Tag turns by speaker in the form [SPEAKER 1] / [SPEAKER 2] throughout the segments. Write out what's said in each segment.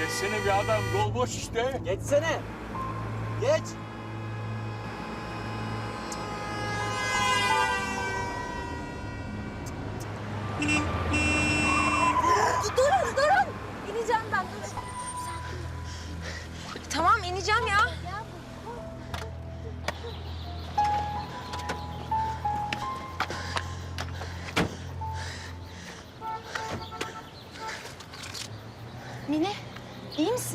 [SPEAKER 1] Geçsene bir adam, yol boş işte.
[SPEAKER 2] Geçsene. Geç.
[SPEAKER 3] Durun. İneceğim ben, durun. Tamam, ineceğim ya. Mine, iyi misin?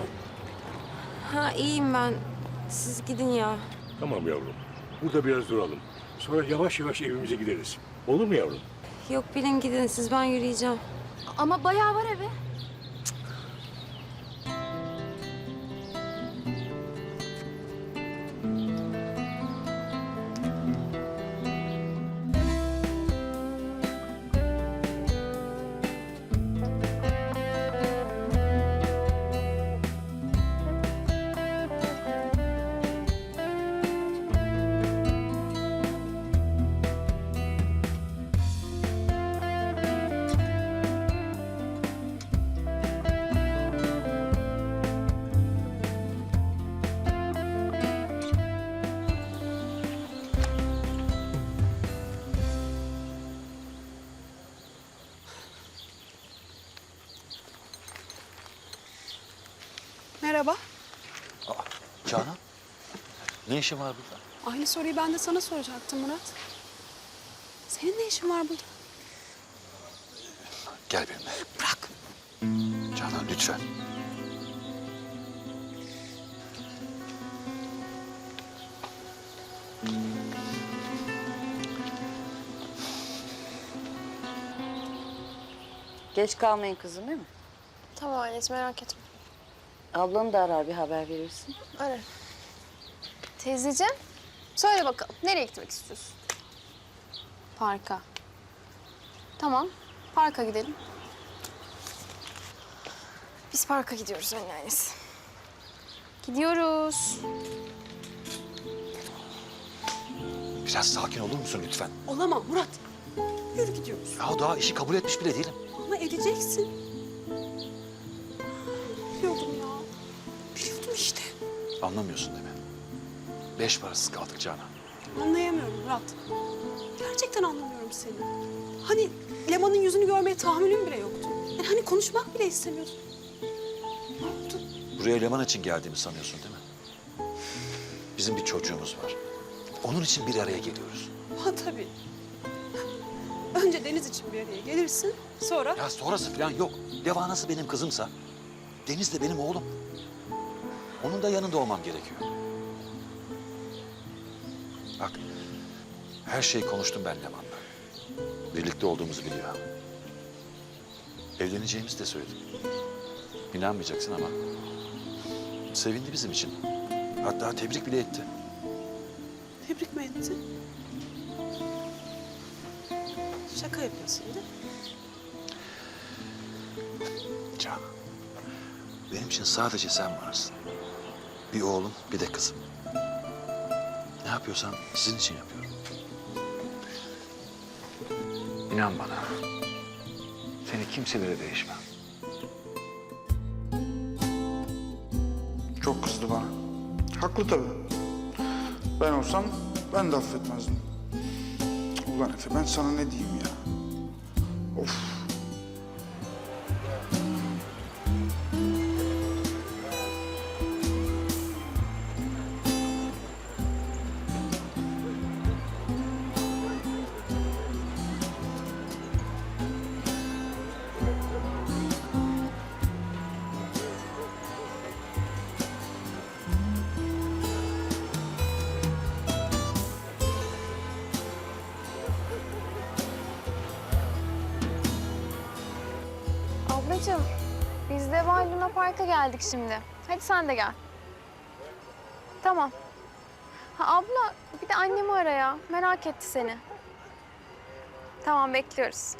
[SPEAKER 4] Ha iyiyim ben. Siz gidin ya.
[SPEAKER 1] Tamam yavrum, burada biraz duralım. Sonra yavaş yavaş evimize gideriz. Olur mu yavrum?
[SPEAKER 4] Yok bilin gidin siz, ben yürüyeceğim.
[SPEAKER 3] Ama bayağı var eve.
[SPEAKER 5] Merhaba.
[SPEAKER 6] Canan, ne işin var burada?
[SPEAKER 5] Aynı soruyu ben de sana soracaktım Murat. Senin ne işin var burada?
[SPEAKER 6] Gel benimle.
[SPEAKER 5] Bırak.
[SPEAKER 6] Canan lütfen.
[SPEAKER 7] Geç kalmayın kızım değil mi?
[SPEAKER 3] Tamam anneciğim, merak etme.
[SPEAKER 7] Ablanı da arar bir haber verirsin.
[SPEAKER 3] Ara. Teyzeciğim, söyle bakalım. Nereye gitmek istiyorsun? Parka. Tamam, parka gidelim. Biz parka gidiyoruz anneannesi. Gidiyoruz.
[SPEAKER 6] Biraz sakin olur musun lütfen?
[SPEAKER 5] Olamam Murat. Yürü gidiyoruz.
[SPEAKER 6] Ya daha işi kabul etmiş bile değilim.
[SPEAKER 5] Ama edeceksin. Biliyordum ya. Biliyordum işte.
[SPEAKER 6] Anlamıyorsun değil mi? 5 parasız kaldık Canan.
[SPEAKER 5] Anlayamıyorum Murat. Gerçekten anlamıyorum seni. Hani Leman'ın yüzünü görmeye tahammülüm bile yoktu. Yani hani konuşmak bile istemiyordun. Ne oldu?
[SPEAKER 6] Buraya Leman için geldiğimi sanıyorsun değil mi? Bizim bir çocuğumuz var. Onun için bir araya geliyoruz.
[SPEAKER 5] Ha tabii. Önce Deniz için bir araya gelirsin. Sonra...
[SPEAKER 6] Ya sonrası falan yok. Deva nasıl benim kızımsa Deniz de benim oğlum. Onun da yanında olmam gerekiyor. Bak, her şeyi konuştum ben Leman'la. Birlikte olduğumuzu biliyor. Evleneceğimizi de söyledim. İnanmayacaksın ama sevindi bizim için. Hatta tebrik bile etti.
[SPEAKER 5] Tebrik mi etti? Şaka yapıyorsun değil mi?
[SPEAKER 6] Canan, benim için sadece sen varsın. Bir oğlum, bir de kızım. Ne yapıyorsam sizin için yapıyorum. İnan bana, seni kimselere değişmem.
[SPEAKER 8] Çok kızdı bana. Haklı tabii. Ben olsam ben de affetmezdim. Ulan Efe ben sana ne diyeyim ya? Of.
[SPEAKER 3] Ablacığım, biz de Var Luna Park'a geldik şimdi. Hadi sen de gel. Tamam. Ha abla, bir de annemi ara ya. Merak etti seni. Tamam, bekliyoruz.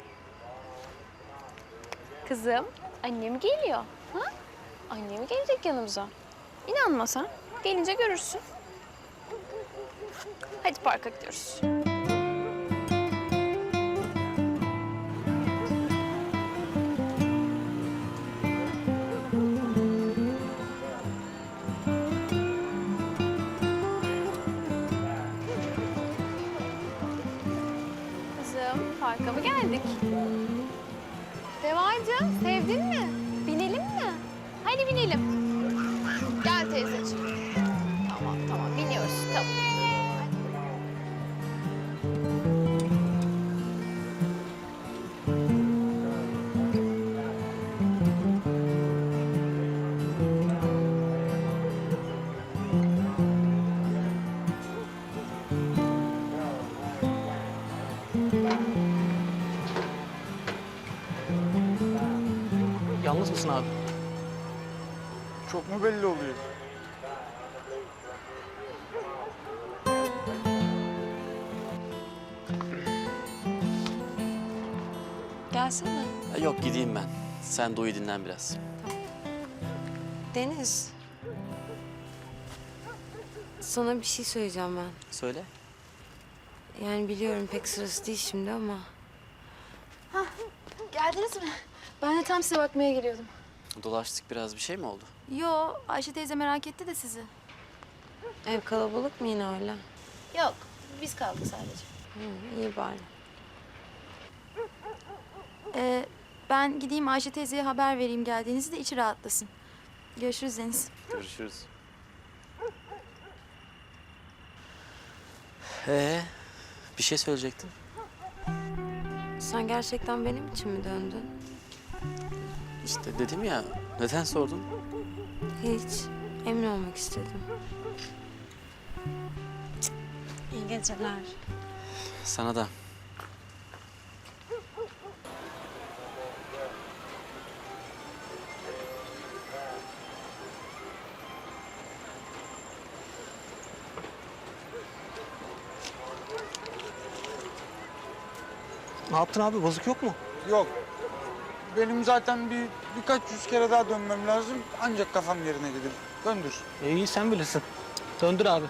[SPEAKER 3] Kızım, annem geliyor. Ha? Annem gelecek yanımıza. İnanmasan gelince görürsün. Hadi parka gidiyoruz. Park'a mı geldik? Devacığım, sevdin mi? Binelim mi? Hadi binelim. Gel teyzeciğim. Tamam, biniyoruz. Tamam.
[SPEAKER 2] Yalnız mısın abi?
[SPEAKER 8] Çok mu belli oluyor?
[SPEAKER 5] Gelsene.
[SPEAKER 2] Yok gideyim ben. Sen de uyu dinlen biraz.
[SPEAKER 4] Deniz. Sana bir şey söyleyeceğim ben.
[SPEAKER 2] Söyle.
[SPEAKER 4] Yani biliyorum pek sırası değil şimdi ama...
[SPEAKER 3] Geldiniz mi? Ben de tam size bakmaya geliyordum.
[SPEAKER 2] Dolaştık biraz, bir şey mi oldu?
[SPEAKER 3] Yo, Ayşe teyze merak etti de sizi.
[SPEAKER 4] Ev kalabalık mı yine öyle?
[SPEAKER 3] Yok, biz kaldık sadece.
[SPEAKER 4] İyi bari.
[SPEAKER 9] Ben gideyim Ayşe teyzeye haber vereyim geldiğinizi de içi rahatlasın. Görüşürüz Deniz.
[SPEAKER 2] Görüşürüz. Bir şey söyleyecektin.
[SPEAKER 4] Sen gerçekten benim için mi döndün?
[SPEAKER 2] İşte dedim ya, neden sordun?
[SPEAKER 4] Hiç. Emin olmak istedim. İyi geceler.
[SPEAKER 2] Sana da.
[SPEAKER 10] Ne yaptın abi? Bozuk yok mu?
[SPEAKER 8] Yok. Benim zaten birkaç yüz kere daha dönmem lazım. Ancak kafam yerine gelir. Döndür.
[SPEAKER 10] İyi sen bilirsin. Döndür abi.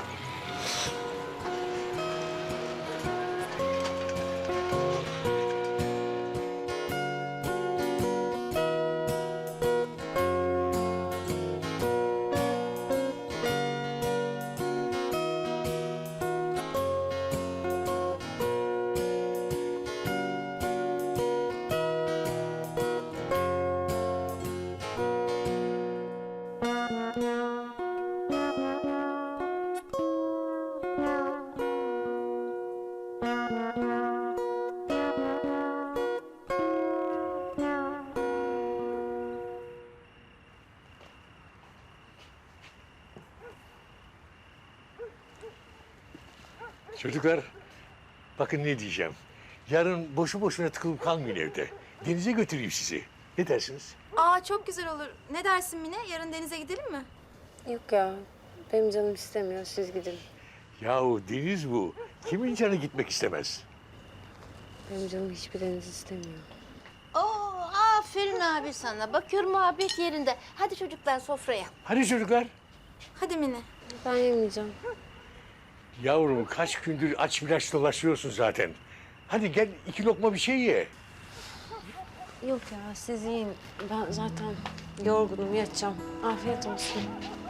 [SPEAKER 1] Çocuklar, bakın ne diyeceğim. Yarın boşu boşuna tıkılıp kalmayın evde. Denize götüreyim sizi. Ne dersiniz?
[SPEAKER 9] Aa çok güzel olur. Ne dersin Mine? Yarın denize gidelim mi?
[SPEAKER 4] Yok ya. Benim canım istemiyor. Siz gidin.
[SPEAKER 1] Yahu deniz bu. Kimin canı gitmek istemez?
[SPEAKER 4] Benim canım hiçbir deniz istemiyor.
[SPEAKER 7] Oo, aferin abi sana. Bakıyorum muhabbet yerinde. Hadi çocuklar sofraya.
[SPEAKER 1] Hadi çocuklar.
[SPEAKER 9] Hadi Mine.
[SPEAKER 4] Ben yemeyeceğim.
[SPEAKER 1] Yavrum kaç gündür aç biraz dolaşıyorsun zaten. Hadi gel 2 lokma bir şey ye.
[SPEAKER 4] Yok ya siz yiyin. Ben zaten yorgunum yatacağım. Afiyet olsun.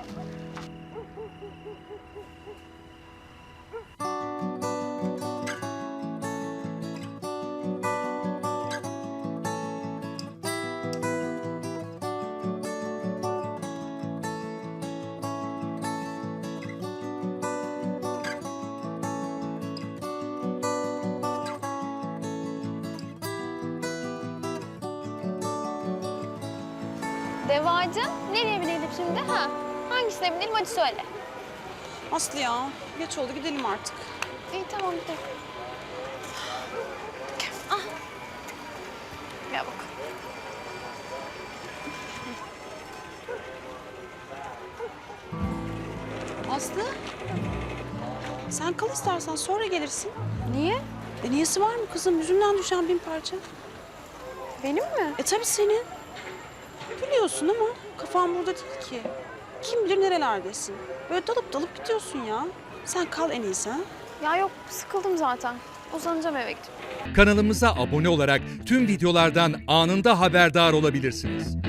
[SPEAKER 3] Devacığım, nereye binelim şimdi? Ha? Hangisine binelim hadi söyle.
[SPEAKER 5] Aslı ya, geç oldu gidelim artık.
[SPEAKER 3] İyi tamam gidelim. Gel bakalım.
[SPEAKER 5] Aslı, sen kal istersen sonra gelirsin.
[SPEAKER 3] Niye?
[SPEAKER 5] Niyesi var mı kızım? Yüzünden düşen bin parça.
[SPEAKER 3] Benim mi?
[SPEAKER 5] Tabii senin. Biliyorsun ama kafan burada değil ki. Kim bilir nerelerdesin. Böyle dalıp dalıp gidiyorsun ya. Sen kal en iyisi ha.
[SPEAKER 3] Ya yok sıkıldım zaten. Uzanacağım eve gidip.
[SPEAKER 11] Kanalımıza abone olarak tüm videolardan anında haberdar olabilirsiniz.